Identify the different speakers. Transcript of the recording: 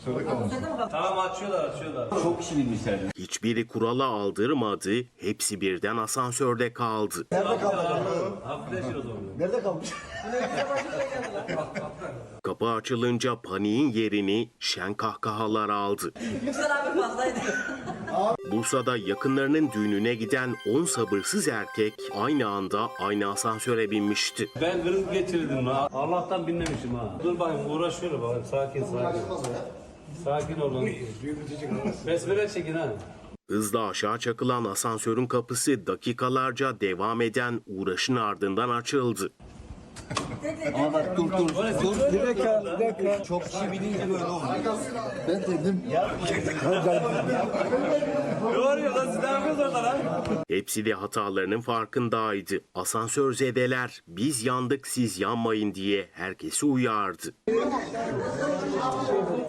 Speaker 1: Tamam açıyorlar.
Speaker 2: Çok kişi binmişlerdi.
Speaker 3: Hiçbiri kurala aldırmadı, hepsi birden asansörde kaldı.
Speaker 2: Nerede kaldı?
Speaker 1: Nerede kalmış?
Speaker 3: Kapı açılınca paniğin yerini şen kahkahalar aldı.
Speaker 4: Yüksel abi fazlaydı.
Speaker 3: Bursa'da yakınlarının düğününe giden 10 sabırsız erkek aynı anda aynı asansöre binmişti.
Speaker 1: Ben kriz geçirdim ha. Allah'tan binmemişim ha. Dur bakayım uğraşıyorum bakayım. Sakin. Sakin olun. Besmele çekin ha.
Speaker 3: Hızla aşağı çakılan asansörün kapısı dakikalarca devam eden uğraşın ardından açıldı.
Speaker 2: Ama bak dur. Bir dakika. Çok kişi binince böyle oldu. Ben dedim.
Speaker 1: Ne oluyor lan siz ne yapıyorsunuz orada lan?
Speaker 3: Hepsi de hatalarının farkındaydı. Asansör zedeler biz yandık siz yanmayın diye herkesi uyardı.